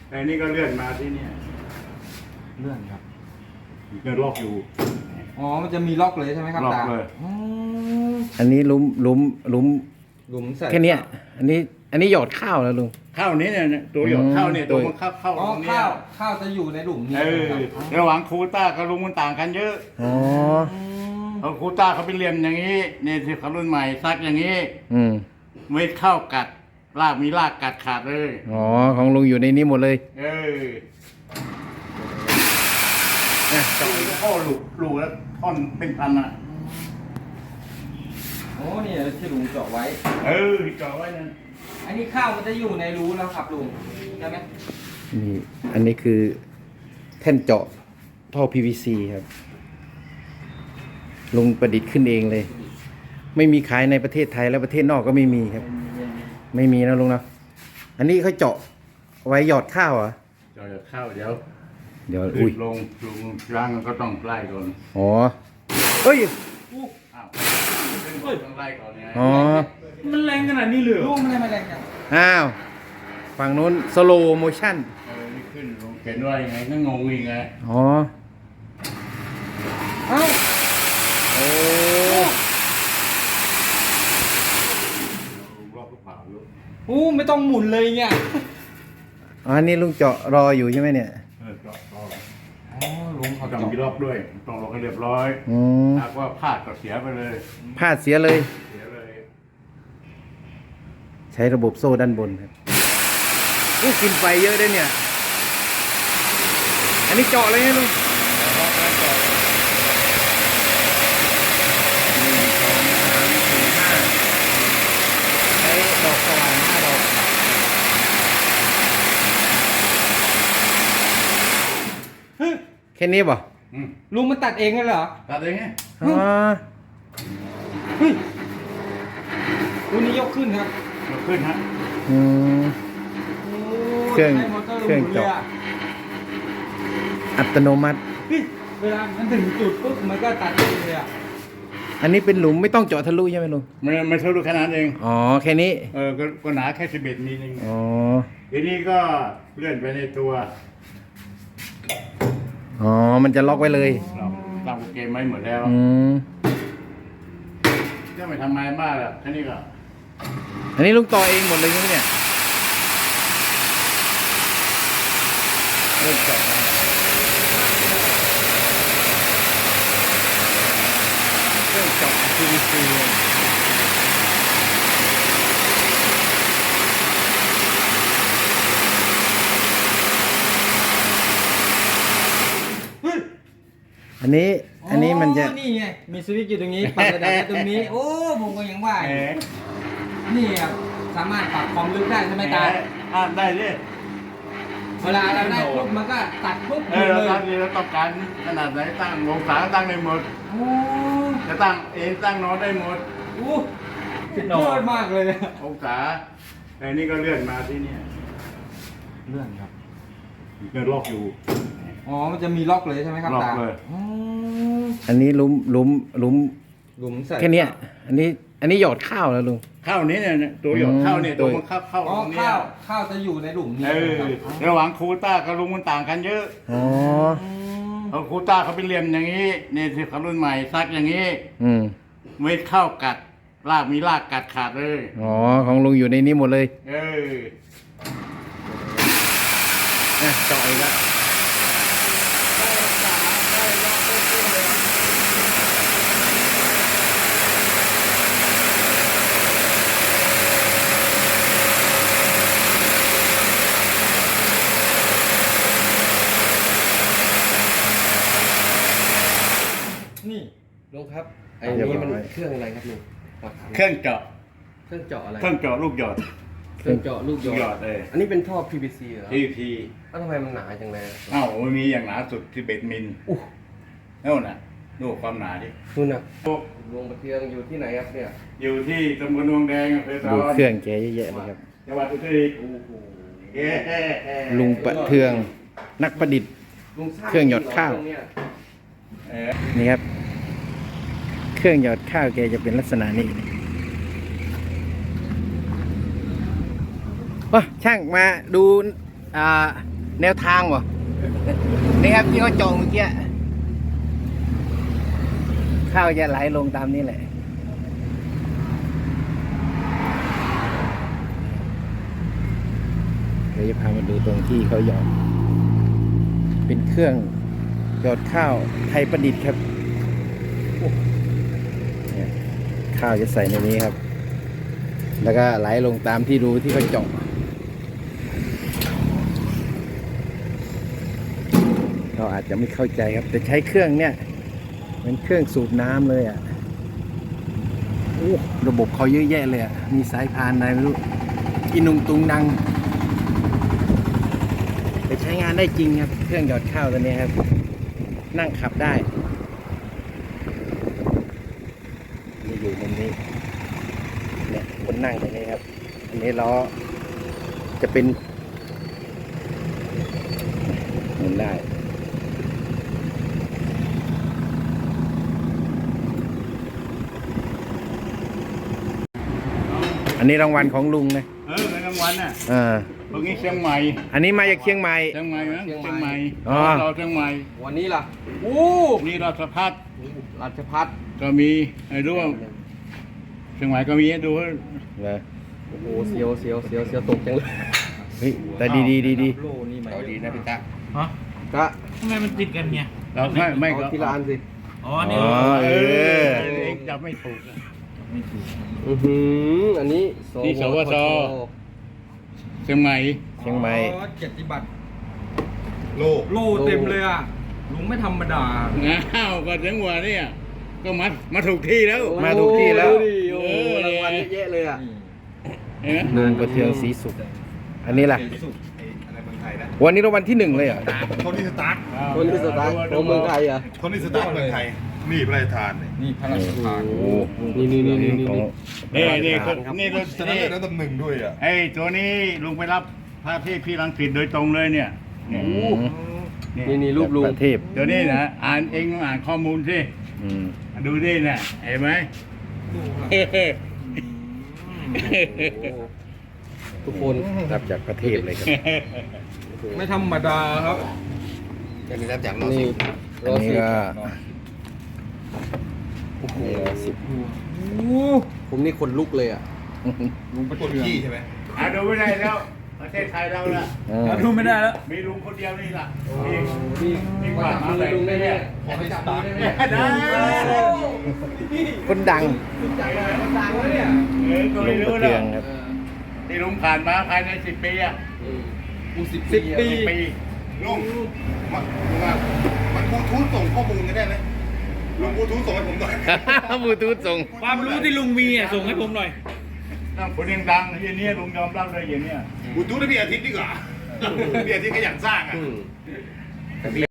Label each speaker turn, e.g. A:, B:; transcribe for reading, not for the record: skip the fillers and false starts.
A: ไอ้นี่ก็เลื่อนมาที่เนี่ย
B: เลื่อนครับ
A: เลื่อนล็อกอยู่
B: อ๋อมันจะมีล็อกเลยใช่ไหมครับ
A: ล็อก
B: ตา
A: เลย
B: อ๋อ
C: อันนี้หลุม
B: หลุมใส่
C: แค่เนี้ยอันนี้หยอดข้าวแล้วลุง
A: เข้านี้เนี่ยตัวหยดเข้าเนี่ยตัวมันเข้า
B: อ๋อ
A: ตรงเนี้ย
B: ข้าวจะอยู่ในหลุมนี้
A: เออ
B: ครับ
A: ระหว่างคูต้ากับลุงมันต่างกันเยอะ
C: อ๋อ
A: เพราะคูต้าเขาเป็นเหลี่ยมอย่างนี้เนี่ยที่เขารุ่นใหม่ซักอย่างนี้
C: อืม
A: ไม่เข้ากัดรากมีรากกัดขาดเลย
C: อ๋อของลุงอยู่ในนี้หมดเลย
A: เออเนี่ยเจาะอีกข้อลูกแล้วท่อนเป็นพันอ่ะ
B: โอ้นี่ที่ลุงเจาะไว้
A: เออเจาะไว้นั่น
B: อันนี้ข้าวมันจะอยู่ในรูแล้วครับลุงใช่ไหม
C: นี่อันนี้คือแท่นเจาะท่อ PVC ครับลุงประดิษฐ์ขึ้นเองเลย ไม่มีขายในประเทศไทยและประเทศนอกก็ไม่มีครับ ไม่มีนะลุงนะอันนี้เขาเจาะไว้หยอดข้าวเหรอ่ะ
A: เจาะจะเข้าเดี๋ยว
C: เดี๋ยว
A: อุ้
C: อุ้
A: ย
C: ย
A: ลงร่างก็ต้องไล่ก่อน
C: อ๋อเฮ้ย
A: อ้าวต้องไล่ก่อนไง
C: อ๋อ
B: มันแรงขนาดนี้เลยลุงมันไม่แรงจัง
C: อ้าวฝั่งนู้นสโลโมชั่น
A: นี่ขึ้นลงเขียนว่ายังไงก็งงอีกไง
C: อ๋อ
B: เอ้า
C: โอ้
A: รอบก็เผาอยู่
B: โอ้ไม่ต้องหมุนเลยเนี่ย
C: อันนี้ลุงเจาะรออยู่ใช่ไหมเนี่ย
A: เจาะรอบ
B: อ๋อลุงเขา
A: ต้อง
B: เจาะ
A: มีรอบด้วยต้องรอให้เรียบร้อย
C: อืม
A: หากว่าพลาดก็เสียไปเลย
C: พลาดเสียเลย
A: เสียเลย
C: ใช้ระบบโซ่ด้านบนครับอู้กินไฟเยอะด้วยเนี่ย อันนี้เจาะเลยนะลุงใช้ดอกสว่าน5 ดอก แค่นี้ป่ะ
A: อืม
B: ลุงมันตัดเองเลยเหรอ
A: ตัดเองไง
C: อ๋อ
B: เฮ้ยรุ่นนี้ยกขึ้นครับ
A: ยกขึ้นฮะ
C: อืม
B: โอ้
C: เครื่อง
B: ใช้มอตอ
C: เครื่องเจาะ
B: ลยะ
C: อัตโนมัติ
B: เฮ้ยเวลามันถึงจุดปุ๊บมันก็ตัดเองเลยอ่ะ
C: อันนี้เป็นหลุมไม่ต้องเจาะทะลุใช่ไหมลุง
A: ไม่เท่าดูขนาดเอง
C: อ๋อ แค่นี้
A: ก็หนาแค่11มิลเอง
C: อ๋อ
A: ทีนี้ก็เลื่อนไปในตัว
C: อ๋อ มันจะล็อกไว้เลย
A: เราตั้งโปรแกรมไว้หมดแล้ว
C: อืม
A: ก็ไม่ทำงานมากหรอกแค่นี้ก็
C: อันนี้ลุงต่อเองหมดเลยใช่ไหมเนี่ย
A: เริ่มเจาะแล้ว
C: เครื่องเจาะ PVC
B: เฮ้ย
C: อันนี้มันจะ
B: อ๋อนี่ไงมีสวิตช์อยู่ตรงนี้ปรับระดับได้ตรงนี้ โอ้ผมก็ยังว่าอ
A: แห
B: ยู่
A: ม
B: นี่ครับสามารถปรับความลึกได้ใช่ไหมตา
A: ได้ดิ
B: เวลาเราได้ปุ๊บมันก็ตัดปุ๊บหมด
A: เรา
B: เลย
A: ตั้งนี่เราต้องการขนาดไหนตั้งองศาตั้งได้หมด
B: โอ้
A: จะตั้งเองตั้งโน้ตได้หมด
B: โหสุดยอดมากเลย
A: องศาไอ้นี่ก็เลื่อนมาที่เนี่ย
B: เลื่อนครับ
A: เลื่อนล็อกอยู่
B: อ๋อมันจะมีล็อกเลยใช่ไหมครับ
A: ล็อก
B: ตา
A: เลย
B: อ๋อ
C: อันนี้หลุม
B: หลุมใส่
C: แค่เนี้ยอันนี้หยอดข้าวแล้วลุง
A: เข้านี้เนี่ยตัวหยดเข้าเนี่ยตัวมันเข้า
B: อ๋อ
A: ตรงเนี้ย
B: ข้าวจะอยู่ในหลุมนี้
A: เออ
B: ครับ
A: ระหว่างคูต้ากับลุงมันต่างกันเยอะ
C: อ๋อ
A: เพราะคูต้าเขาเป็นเหลี่ยมอย่างนี้เนี่ยที่เขารุ่นใหม่ซักอย่างนี้
C: อืม
A: ไม่เข้ากัดรากมีรากกัดขาดเลย
C: อ๋อ ของลุงอยู่ในนี้หมดเลย
A: เออ
C: อ่ะเจาะอีกแล้ว
B: นี่
D: ลุงครับไอ้นี้มันเครื่องอะไรครับลุงครับ
A: เครื่องเจาะ
D: เครื่องเจาะอะไร
A: เครื่องเจาะลูกหยอด
D: เครื่องเจาะลูก
A: ลูกหย
D: หย
A: อ
D: อ
A: ด
D: ด
A: เลย
D: อันนี้เป็นท่อ PVC เหรอ
A: TP
D: แล้วทำไมมันหนาจังเลย
A: เอ้ามันมีอย่างหนาสุด11มิล
D: อู้
A: นั่นน่ะดูความหนาดิ
D: นู่นน่ะลุงประเทืองอยู่ที่ไหนครับเนี่ย
A: อยู่ที่ตำบลดวงแดงอำเภอตะ
C: ดู
A: วัน
C: เครื่องแกเยอะแยะเลยครับ
A: จังหวัดอุตรดิตถ์
D: โอ้โห
A: เย้
C: ลุงประเทือง นักประดิษฐ์
D: ลุงสร้าง
C: เครื่องหยอดข้าว
D: เครื่องเนี่ย
A: เออ
C: นี่ครับ เครื่องหยอดข้าวแกจะเป็นลักษณะนี้ว้าช่างมาดูแนวทางวะนี่ครับที่เขาจองเมื่อกี้ข้าวจะไหลลงตามนี้แหละเดี๋ยวจะพามาดูตรงที่เขาหยอดเป็นเครื่องหยอดข้าวไทยประดิษฐ์ครับเนี่ยข้าวจะใส่ในนี้ครับ แล้วก็ไหลลงตามที่รูที่เขาเจาะเราอาจจะไม่เข้าใจครับแต่ใช้เครื่องเนี่ยเป็นเครื่องสูบน้ำเลยอ่ะโอ้ระบบเขาเยอะแยะเลยอ่ะมีสายพานอะไรไม่รู้อินุงตุงนังแต่ใช้งานได้จริงครับเครื่องหยอดข้าวตัวนี้ครับนั่งขับได้นี่อยู่มุมนี้เนี่ยคนนั่งตรงนี้ครับอันนี้ล้อจะเป็นหมุนได้อันนี้รางวัลของลุงนะ
A: ในรางวัลน่ะตรงนี้เชียงใหม่
C: อันนี้มาจากเชียงใหม่
A: เชียงใหม่นะเชียงใหม่
C: อ๋อ
A: เราเชียงใหม่
D: วันนี้ล่ะโอ้
A: นี่ราชพัฒน์
D: ราชพัฒน์
A: ก็มีไอ้รู้ว่าเชียงใหม่ก็มีให้ดู
C: เลย
D: โอ้โหเสียวตกจังเลย
C: เฮ้ยแต่ดี
D: เอาดีนะพี่ตะ
B: ฮะ
D: กะ
B: ทำไมมันติดกันเนี่ย
A: เราไม่
D: เอา
A: ก็
D: ทีละอันสิ
B: อ๋อนี่
C: อ๋อเออ
A: เองจับไม่ถูกอะ
D: อันนี้
A: นี่สวท เชียงใหม่
C: เชียงใหม่
B: เกียรติบัตร
E: โล
B: โล่เต็มเลยอ่ะลุงไม่ธรรมดา
A: ง้าวก็จังหวะเนี่ยก็มาถูกที่แล้ว
C: มาถูกที่แล้ว
D: โอ้โหรางวัลเยอะแยะเลยอ่ะ
A: เห็นไหม
C: ลุงประเทืองศรีสุขอันนี้ล่ะ
E: อะไรเมืองไทยนะ
C: วันนี้รางวัลที่1เลยเหรอ
E: โทนี่สตาร์ท
D: คนที่สตาร์ทของเมืองไทยอ่ะ
E: โทนี่สตาร์ทเมืองไทย นี่พระราชทานเนี่ย
B: นี่พระราชทาน
C: โอ้
D: นี่
C: ของ
A: นี่นี่รถ
E: ชนะ
A: นี่
E: เลิศอันดับหนึ่งด้วยอ่ะ
A: ไอ้ตัวนี้ลุงไปรับพระเทพพี่รังสิตโดยตรงเลยเนี่ยเนี่ย
D: นี่รูปลุง
C: ประเทศ
A: ตัวนี้นะอ่านเองต้องอ่านข้อมูลสิ
C: อืม
A: ดูดิน่ะเห็นไหม
D: ทุกคน
C: รับจากประเทศเลยครับ
B: ไม่ธรรมดาครับ
D: อันนี้รับจากนี่
C: อันนี้ก็
D: โอ้โห
C: สิบ
D: ผมนี่คนลุกเลยอ่ะ
B: ลุงประ
E: กด
B: เทือง
E: ขี้ใช่ไหม
A: ดูไม่ได้แล้ว ประเทศไทยเราละ
B: เราดูไม่ได้แล้ว
A: มีลุงคนเดียวนี่ล่ะ
D: นี่ขอจับมือลุงได้ไหมขอให้จับมือได้ไหม
A: ได้
C: คนดัง
D: จับมือคนดังแล้วเนี่ย
A: ก็
C: ลุ
A: ไม่
C: งป
A: รู้
C: ระ
A: แล้
C: เทือง
A: ว
C: ครับ
A: ที่ลุงผ่านมาภายใน10 ปีอ่ะ
D: กู10
B: ปี
A: 10 ปี
E: ลุงมันบลูทูธส่งข้อมูลกันได้ไหมลุงบลูทูธส่งให้ผมหน่อย
C: บลูทูธส่ง
B: ความรู้ที่ลุงมีอ่ะส่งให้ผมหน่อย
A: ต้องคนดังๆอย่างนี้ลุงยอมรับเลยอย่างเนี้ย
E: บลูทูธให้พี่อาทิตย์ดีกว่าพี่อาทิตย์ก็อยากสร้างอ่ะ
D: อืม